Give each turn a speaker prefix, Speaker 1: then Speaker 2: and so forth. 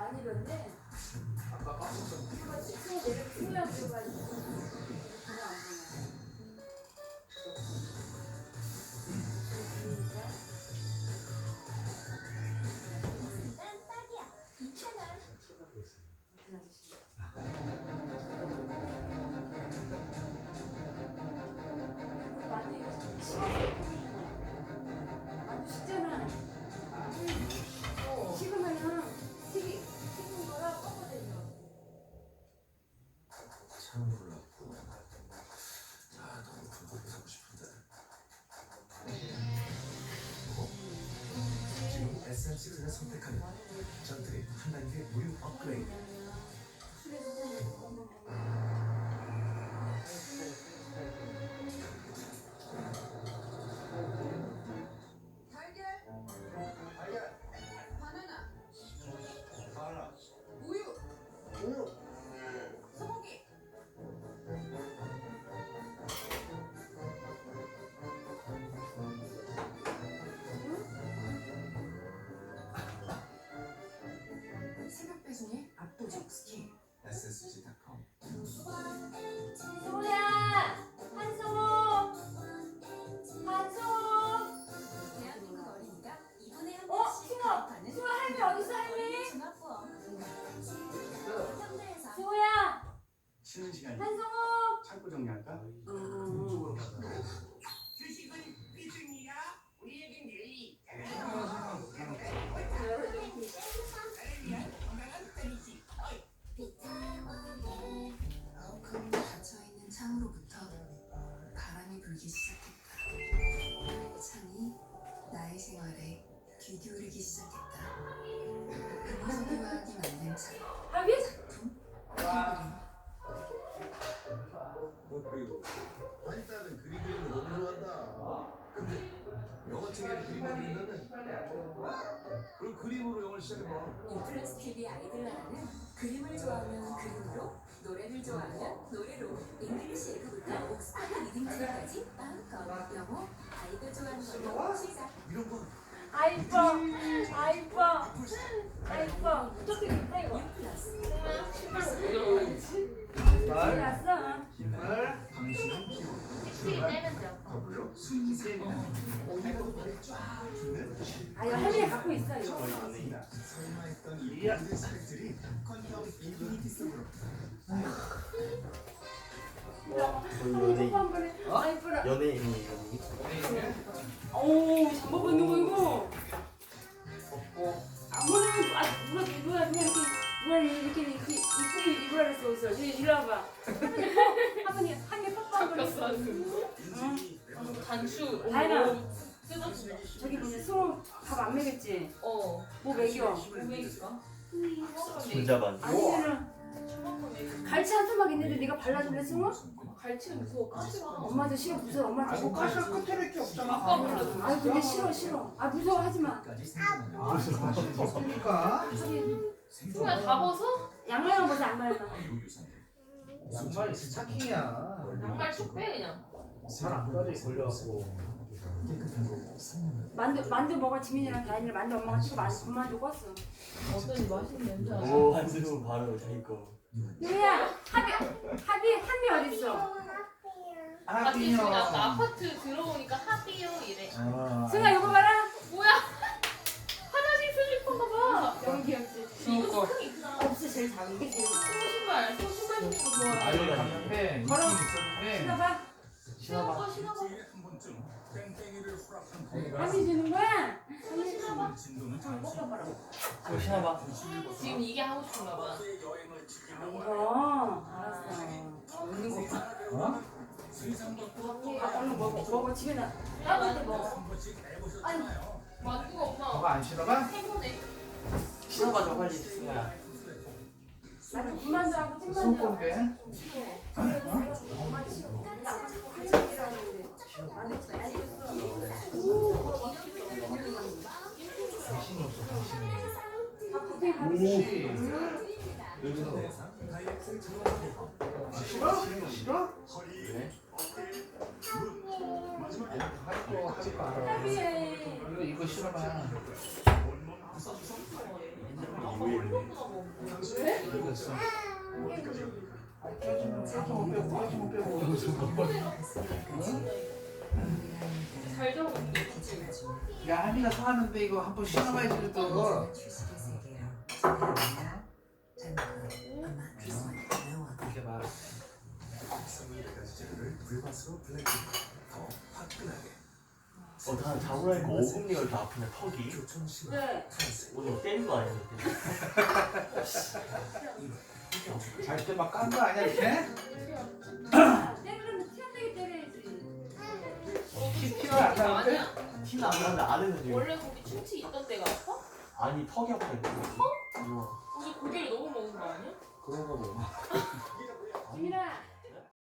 Speaker 1: 많이 변네.
Speaker 2: 아까 까먹었어.
Speaker 3: SM6를 선택하면 전투의 한 단계 무료 업그레이드.
Speaker 4: 달걀, 바나나, 우유, 소고기. 새벽 배송의 압도적 스킬.
Speaker 3: SSG.com.
Speaker 1: 소야! 한성호! 한성호!
Speaker 4: 대한민국 어린이가 2분에 한
Speaker 1: 어?
Speaker 4: 번씩
Speaker 1: 승호!
Speaker 4: 가입하는
Speaker 1: 승호 할미 어딨어 할미?
Speaker 4: 어린이 종합보험. 현대에서
Speaker 1: 승호야!
Speaker 3: 쉬는 시간이
Speaker 1: 한성호!
Speaker 3: 창고 정리할까?
Speaker 5: 주식은 비중이야. 우리에겐 내일이
Speaker 4: 가혹함에 닫혀있는 창으로부터 바람이 불기 시작했다. 그 창이 나의 생활에 귀 기울이기 시작했다. 금속이와학이 만든 창.
Speaker 1: 할미?
Speaker 4: 작품 캔그림.
Speaker 6: 그리고 한이따는 그림 그리는 거 너무 좋아한다. 근데 영어책에 그림 그린다는 그럼 그림으로 영어를 시작해봐.
Speaker 4: 인플루언스 TV 아이들 나라는 그림을 좋아하면 그림으로, 노래를 좋아하면 노래로 잉글리시 에그부터 옥스퍼드 리딩2까지 마음껏 영어 아이들 좋아하는 걸로 시작.
Speaker 6: 이런 거
Speaker 1: 아 이뻐! 아 이뻐! 아 이뻐! 어떻게 입다 이거?
Speaker 4: 플러스
Speaker 1: 신발 났어?
Speaker 3: 방수는 기본.
Speaker 1: 씩씩이 떼면 돼.
Speaker 3: 더불어 순위 세미나. 발톱을 쫙 주는
Speaker 1: 아 이거 할미가 갖고 있어 이거.
Speaker 3: 설마했던 이 모든 스펙들이 퀀텀 인피니티 속으로.
Speaker 1: 뽀뽀 한 번에. 아 이뻐라.
Speaker 2: 연예인이에요.
Speaker 1: 오 잠복 받는 거 이거.
Speaker 2: 없고
Speaker 1: 아무나 누가 이렇게 이쁘게 입으라 그랬어 옷을. 이리 와봐. 할머니 한개 뽀뽀 한 번 했어.
Speaker 7: 단추.
Speaker 1: 다현아.
Speaker 7: 뜯어진다.
Speaker 1: 저기 뭐냐 승호 밥 안 먹였지?
Speaker 7: 어.
Speaker 1: 뭐 먹여?
Speaker 7: 오메기가?
Speaker 2: 손자반.
Speaker 1: 아니면은 갈치 한 토막 있는데 네가 발라줄래 승호?
Speaker 7: 갈치는 무서워. 까지 마.
Speaker 1: 엄마도 싫어 무서워 엄마한테
Speaker 2: 아이고
Speaker 1: 못
Speaker 2: 가시가 끝에밖에 없잖아.
Speaker 7: 아까 불러줘.
Speaker 1: 아 근데 싫어 아 무서워 하지마
Speaker 3: 까지 생각나는
Speaker 2: 맛이 덥습니까?
Speaker 7: 승우야 다 벗어?
Speaker 1: 양말만 벗어 양말만
Speaker 2: 정말 스타킹이야.
Speaker 7: 양말 쭉 빼 그냥.
Speaker 2: 잘안 가지 걸려갖고.
Speaker 3: 깨끗하고 선명한
Speaker 1: 만두 먹어 지민이랑 다현이랑 만두 엄마가 찍고 만두 껐어
Speaker 7: 어떤 맛있는 냄새 나지?
Speaker 2: 오 한승우 바로 자기 거.
Speaker 1: 누구야 한미 어딨어
Speaker 7: 아기 중에 아까 아파트 들어오니까 하비요 이래.
Speaker 1: 승아 이거 봐라
Speaker 7: 뭐야? 화장실 슬리퍼인가 봐.
Speaker 1: 너무 귀엽지
Speaker 7: 이거 스크이 크다.
Speaker 1: 없어 제일 작은 게 제일 작아
Speaker 7: 신발. 신발 신는 거 좋아해.
Speaker 2: 아유 갔는데
Speaker 1: 걸어.
Speaker 2: 있긴 있었는데
Speaker 1: 신어봐
Speaker 7: 신어봐 신어봐.
Speaker 6: 한 번쯤 땡땡이를 후락한 거가
Speaker 1: 한미 주는 거야?
Speaker 7: 신어봐.
Speaker 6: 진도는
Speaker 2: 또 신어봐.
Speaker 7: 지금 이게 하고 싶은가 봐.
Speaker 6: 여행을 즐기며
Speaker 1: 이거 알았어 먹는 거 봐.
Speaker 2: 어?
Speaker 1: 아 얼른 먹어 집에 나 따뜻할 때 먹어
Speaker 6: 한 번씩 해보셨잖아요.
Speaker 7: 만두가 엄마
Speaker 2: 너가 안 신어봐?
Speaker 7: 해보네.
Speaker 2: 신어봐 저 빨리 승우야.
Speaker 1: 나도 군만두 하고 찐만두
Speaker 2: 손꼽게.
Speaker 1: 엄마 싫어 가족이라는데 나는 잘 알겠어
Speaker 2: 당신이 없어 당신이.
Speaker 1: 커피
Speaker 2: 오.
Speaker 3: 요즘 대상 다이렉트
Speaker 2: 싫어? 싫어?
Speaker 3: 그래?
Speaker 2: 할거 알아.
Speaker 1: 커피에
Speaker 2: 이거 싫어봐.
Speaker 7: 얼마나 먹어? 왜?
Speaker 3: 이겼어.
Speaker 7: 잘 적었는데 그치?
Speaker 8: 야 하민아 사는데 이거 한번 신어봐야지 또. 이렇게 봐.
Speaker 3: 선물까지 재료를 불맛으로 블렌딩. 더 화끈하게.
Speaker 9: 다 자고라니까 어금니가 이렇게 아프네 턱이.
Speaker 3: 교촌 신화
Speaker 1: 왜?
Speaker 3: 탄생.
Speaker 9: 오늘 때린 거 아니야?
Speaker 8: 잘 때 막 깐 거 아니야 이렇게?
Speaker 1: 때리려면 튀어나게 때려야지.
Speaker 8: 티가 안 나는데?
Speaker 7: 아니야?
Speaker 9: 티는 안 나는데 안에는 지금
Speaker 7: 원래 거기 충치 있던 데가 아파?
Speaker 9: 아니 턱이 아프다니까.
Speaker 7: 어제 고기를 너무 먹은 거 아니야?
Speaker 8: 그런가 뭐.
Speaker 1: 지민아